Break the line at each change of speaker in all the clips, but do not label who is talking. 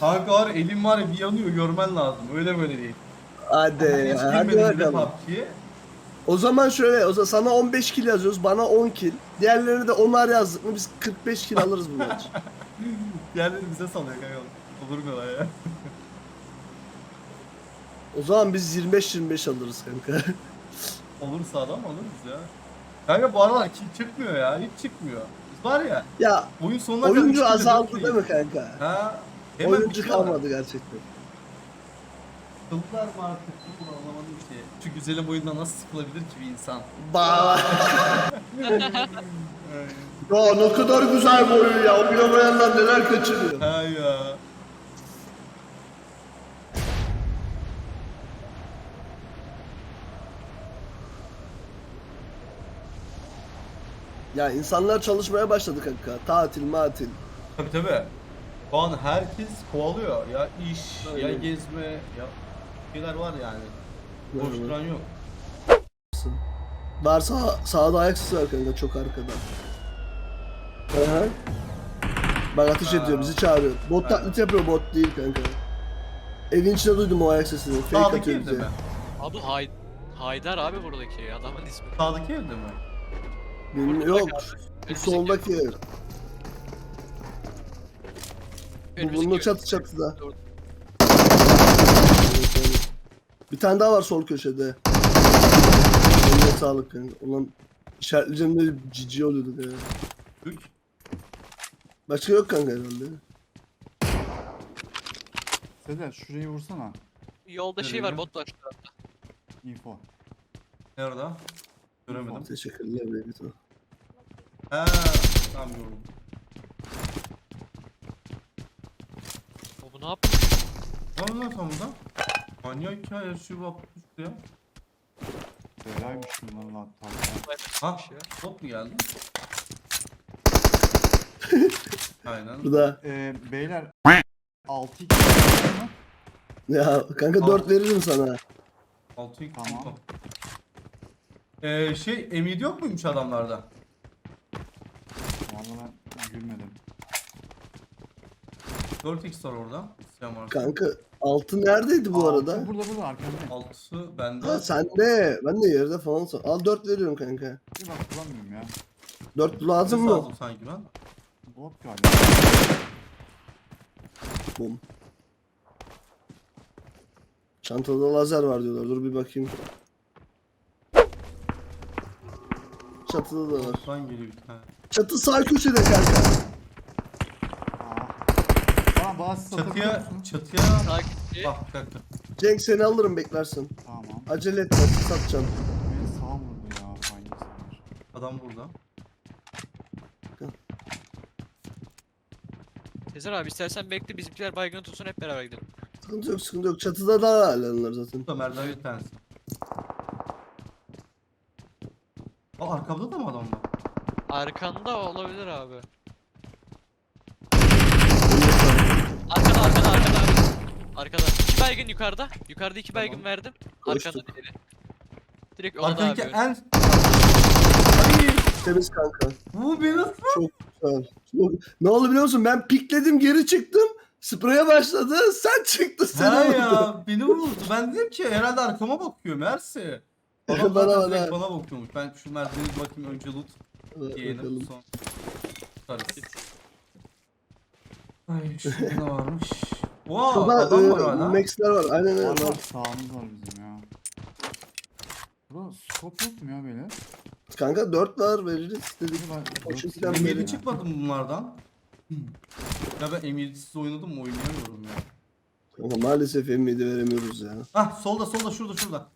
Kanka var elim var ya bir yanıyor görmen lazım. Öyle böyle değil.
Hadi
Hiç
ya, hadi
girmedim bile
bakalım.
PUBG'ye.
O zaman şöyle, sana 15 kill yazıyoruz, bana 10 kill. Diğerlerine de 10'ar yazdık mı biz 45 kill alırız bu maç.
Diğerleri bize salıyor kanka. Olur mu lan ya?
O zaman biz 25-25 alırız kanka.
Olursa adam alırız ya. Kanka bu aralar kill çıkmıyor ya. Hiç çıkmıyor. Biz var ya.
Ya
Oyun sonuna kadar üç
oyuncu
kill'e
azaldı
dört
değil mi kanka?
Ha. Hemen
Oyuncu
bitiyorlar.
kalmadı gerçekten.
Sıkıldılar mı artık? Bunu anlamadım ki. Şu güzelim oyundan nasıl sıkılabilir ki bir insan?
Ba. Ya ne kadar güzel bir oyun ya. Oynamayanlar neler kaçırıyor.
Ha ya.
Ya insanlar çalışmaya başladı kanka. Tatil, matil.
Tabii tabii. Şu an herkes kovalıyor. Ya iş, ya
Aynen.
gezme, ya şeyler var yani. Boş
Aynen.
duran yok.
Var sağda ayak sesi var kanka, çok arkada. Aha. Bak ateş ediyor, bizi çağırıyor. Bot
Aynen.
taklit yapıyor, bot değil kanka. Evin içinde duydum o ayak sesini. Fake
Sağdaki
atıyor
evde
bize.
mi?
Abi Haydar abi buradaki adamın ismi.
Sağdaki evde mi?
Bilmiyorum, yok. Bu
Önümüzdeki
soldaki ev. Bu
önümüzdeki
bunun
ev.
çatı çatıda.
Dur.
Bir tane daha var sol köşede. Eline sağlık kanka. Ulan işaretleyeceğim de cici oluyorduk ya.
Türk.
Başka yok kanka herhalde.
Sezer şurayı vursana.
Yolda şey
Nereye?
var bot var şu anda.
Info.
Nerede? Göremedim.
Teşekkürler Beyto.
He, tamam gördüm.
O bu ne yaptı?
Ne oldu lan tam burada? Manyak ya yaşıyor bak üstü ya.
Belaymış bunların hatta.
Ha,
Ya.
bot mu geldi? Aynen.
Burada.
Beyler 6-2 mı?
Ya kanka 4 veririm sana.
6
Tamam.
Şey M7 yok muymuş adamlarda?
Vallahi ben gülmedim.
4x var orada. İsteyen varsa.
Kanka altı neredeydi bu arada?
Altı burada arkanda.
6'sı bende.
Ha sende. Ben de yerde falan sor. Al 4 veriyorum kanka.
Bir bak bulamıyorum ya.
4 lazım
Nasıl
mı?
aldım sanki ben?
Bot galiba.
Bum. Çantada lazer var diyorlar. Dur bir bakayım. Çatıda da var.
Bottan geliyor bir tane.
Çatı sağ köşede kanka.
Bana bazı satabiliyor
Çatıya,
musun?
çatıya.
Takipçi.
Bak bir dakika.
Cenk seni alırım beklersin.
Tamam.
Acele etme satacağım.
Beni sağ vurdu ya. Hangi sanır?
Adam burada.
Sezer abi istersen bekle bizimkiler baygın tutsun hep beraber gidelim.
Sıkıntı yok, sıkıntı yok. Çatıda da hala zaten.
Burada merdiven bir tanesi. Aa arkamda da mı adam var?
Arkanda olabilir abi. Arkada abi. Arkada. 2 baygın yukarıda. Yukarıda 2 baygın
Tamam.
verdim.
Koştuk.
Arkanda diğeri. Direkt ona da
Arkadaki
abi.
en... Ay,
Temiz kanka.
bu beni nasıl?
Çok güzel. Ne oldu biliyor musun? Ben pikledim, geri çıktım. Spreye başladı. Sen çıktın,
He
seni vurdu.
ya beni vurdu. Ben dedim ki herhalde arkama bakıyor Mersi. Adam
Bana,
zaten direkt
bana.
bana bakıyormuş. Ben şu merdiveni bir bakayım önce loot. Yeğenim
Bakalım.
son. Tutarız. Ay şurada ne varmış? Wow
Şurada
adam var hala.
Max'ler var. Aynen öyle.
Var
var.
var sağımız var bizim ya. Burada scope yok mu ya beyler?
Kanka 4 var, veririz dedik.
Ben-
O çünkü
dört-
ben
M7
beri-
çıkmadı mı bunlardan? Ya ben M7'siz oynadım mı oynayamıyorum ya.
Kanka maalesef M7 veremiyoruz ya.
Ah solda şurada.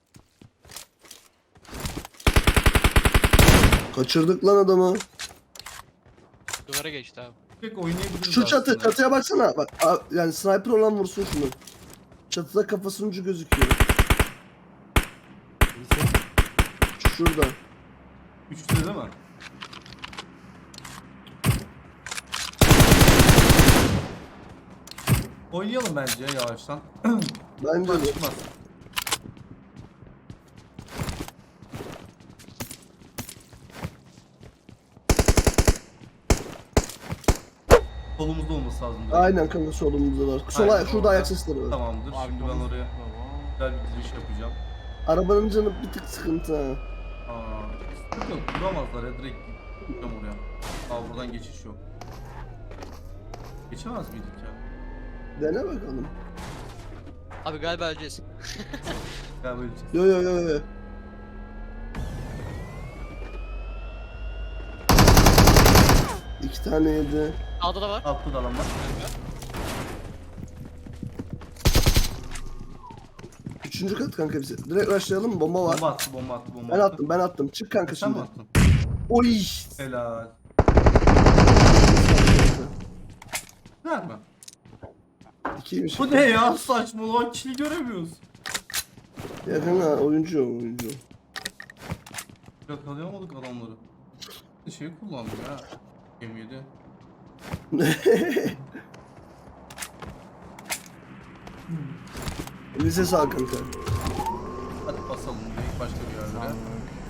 Kaçırdık lan adamı.
Duvara geçti abi.
Pek oynayabiliriz
Şu çatı,
aslında.
çatıya baksana. Bak yani sniper olan vursun şunu. Çatıda kafasının ucu gözüküyor. Şurada.
Üçlü değil mi? Oynayalım bence ya yavaştan.
Bence
Bak
de.
çıkmaz. Solumuzda olması olması lazım. direkt.
Aynen kanka solumuzda var. Sola
Aynen,
şurada
orada.
ayak sesleri var.
Tamamdır. Şimdi ben
Arkamızda
oraya
var.
güzel bir giriş yapacağım.
Arabanın canı bir tık sıkıntı ha.
Sıkıntı yok. Duramazlar ya. Direkt gideceğim oraya. Buradan geçiş yok. Geçemez miydik ya?
Dene bakalım.
Abi galiba öleceğiz.
Ya böyle
Yo yo yo yo. İki tane yedi.
Sağda da var.
altta da adam var.
Üçüncü kat kanka bize. Direkt rushlayalım mı? Bomba var.
Bomba attı, bomba attı, bomba
Ben
attı.
attım ben attım. Çık kanka
Sen mi
şimdi.
attın?
Oy.
Helal. Güzel mi?
İkiymiş.
Bu ne ya? Saçmalama, kili göremiyoruz.
Ya kanka oyuncu o, oyuncu.
Yakalayamadık adamları. Şey kullandım ya. M7.
Lise sağ kanka.
Hadi basalım direkt başka bir yerlere.
Sağlık.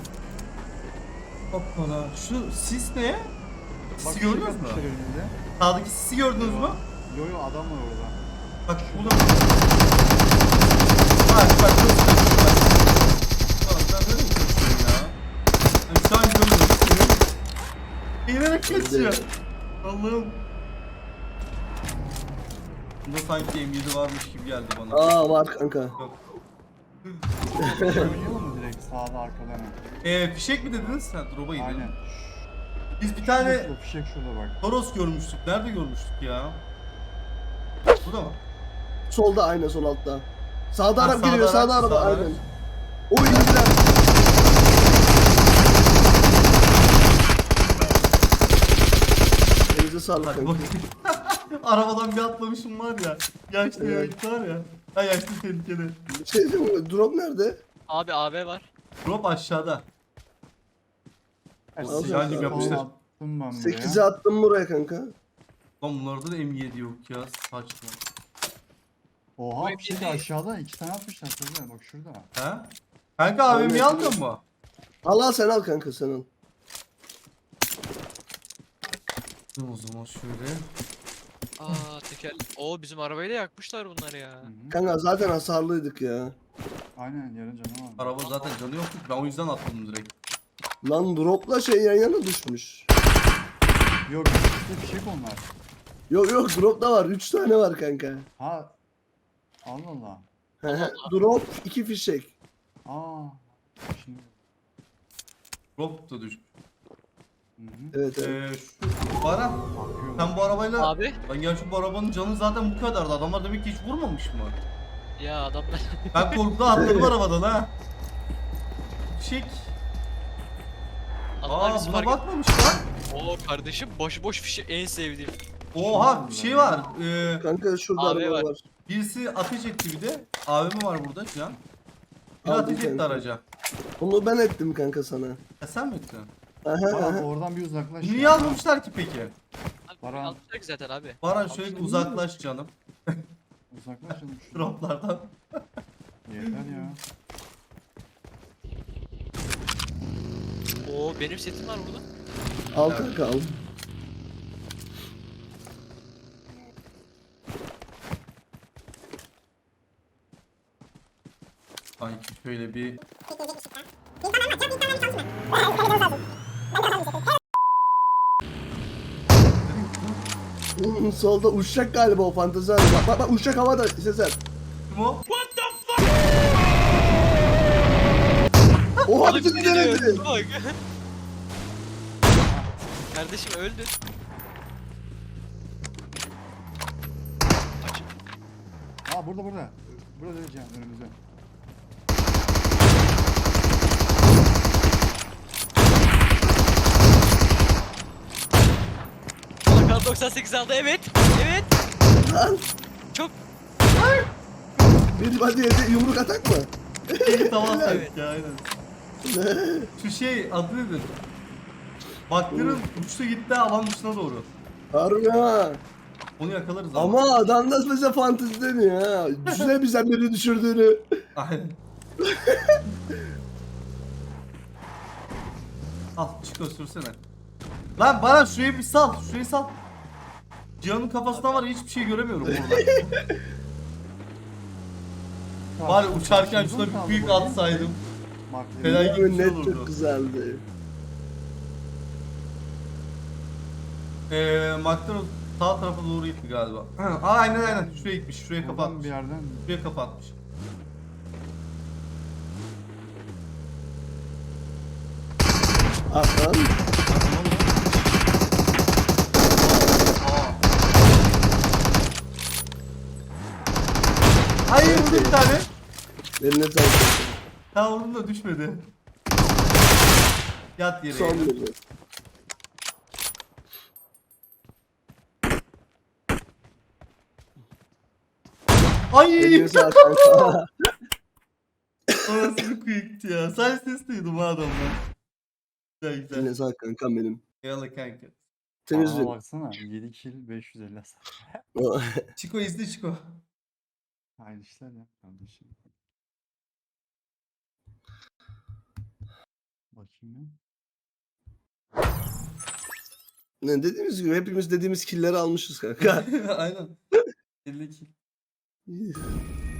Hoppala. Şu sis ne?
Bak,
Sisi
şey
gördünüz mü?
yapmışlar önünde.
Sağdaki sisi gördünüz mü?
Yo yo adam var orada.
Bak burada. Bak çok sıkıntı. Lan sen nereye gidiyorsun ya? Ben şu an görmüyorum seni. Eğilerek kaçıyor. Allah'ım. Bunda sanki M7 varmış gibi geldi bana.
Aa var kanka.
Yok.
Şey oynayalım mı direkt sağda arkada mı?
Fişek mi dediniz sen? Drop'a gidelim.
Aynen.
Biz bir tane
Şurada, fişek şurada bak.
Toros görmüştük. Nerede görmüştük ya? Bu da mı?
Solda aynen sol altta. Sağda
Ha,
araba
sağda
geliyor sağda
araç,
araba
sağda
aynen.
araç.
Oy indiler. Elinize sağlık
Hadi
kanka.
bakayım. Arabadan bir atlamışım var ya. Yaşlı
Evet.
ya var ya. Ha yaşlı tehlikeli.
Bir şey diyeyim mi? Drop nerede?
Abi AB var.
Drop aşağıda.
Al
Sıcacık
kanka.
yapmışlar.
Attım ben buraya.
8'e attım buraya kanka.
Lan bunlarda da M7 yok ya. Saçma.
Oha
Bu
fişek
hepsi-
aşağıda 2 tane atmışlar şurada bak şurada.
Ha? Kanka abimi
Evet.
aldın mı?
Al al sen al kanka sen al.
Dur o zaman şöyle.
Aa teker. Oo bizim arabayı da yakmışlar bunlar ya.
Hı hı.
Kanka zaten hasarlıydık ya.
Aynen yarın canı var.
Araba zaten canı yoktu. Ben o yüzden atladım direkt.
Lan dropla şey yan yana düşmüş.
Yok işte fişek onlar.
Yok yok drop da var. 3 tane var kanka.
Ha. Allah Allah.
Drop 2 fişek.
Aa. Şimdi.
Drop da düş.
Hı hı.
Evet evet.
Şu Baran.
Bakıyorum.
Sen bu arabayla...
Abi.
Lan gerçi bu arabanın canı zaten bu kadardı. Adamlar demek ki hiç vurmamış mı?
Ya adamlar.
Ben korkudan atladım arabadan ha. Fişek.
Adamlar
Aa
bizi
buna
fark
bakmamış lan.
Oo kardeşim boş boş fişi en sevdiğim.
Oha bir şey var.
Kanka şurada
Abi
araba
var.
var.
Birisi ateş etti bir de. AVM var burada can. Bir
Aldım
ateş etti
kanka.
araca.
Onu ben ettim kanka sana.
Sen mi ettin?
Aha
Baran
aha.
oradan bir uzaklaş.
Niye
ya.
almamışlar ki peki?
Abi,
Baran.
almışlar ki zaten abi.
Baran şöyle uzaklaş canım.
Uzaklaş canım şuradan.
Droplardan.
Yeter ya.
Oo benim setim var burada.
Al
Evet.
kanka al.
Sanki şöyle bir...
Solda uçacak galiba o fantezi araba. Bak bak uçacak havada Sezer.
Kim o?
Oha
Oğlum,
bizi
ne
denedi.
diyor? Bak. Kardeşim öldü.
Aa burada burada. Burada diyeceğim önümüzde.
Bakan 98 aldı evet. Evet.
Lan
Çok.
bir hadi yedi yumruk atak mı?
Tamam
Evet.
ya aynen. Şu şey adı nedir? Baktırın uçtu gitti alan dışına doğru.
Harbi ha.
Onu yakalarız
Ama adam da mesela fantezi demiyor ha. Düşünsene bizden biri düşürdüğünü.
Aynen. Al çık sürsene. Lan bana şurayı bir sal. Şurayı sal. Cihan'ın kafasında var ya, hiçbir şey göremiyorum orada. Var ya, uçarken şuna bir büyük atsaydım. Fena
Yemin
gibi bir şey
net
olurdu.
çok güzeldi.
McLaren sağ tarafa doğru gitti galiba. Aynen. Şuraya gitmiş. Şuraya
Oradan
kapatmış.
bir yerden
Şuraya kapatmış.
Aha.
Hayır, vurdu bir tane.
Eline sağlık.
Tamam, vurdum da düşmedi. Yat yere.
Son bir.
Ay!
Eline sağlık kanka.
O nasıl bir quick'ti ya. Sadece ses duydum ha adamdan. Güzel güzel.
Eline sağlık kankam benim.
Eyvallah kanka.
Temiz
Aa,
gün.
baksana 7 kill 550 hasar.
Chico izle Chico.
Aynı işler ya kardeşim. Bakayım ya.
Ne dediğimiz gibi hepimiz dediğimiz killleri almışız kanka.
Aynen. 52.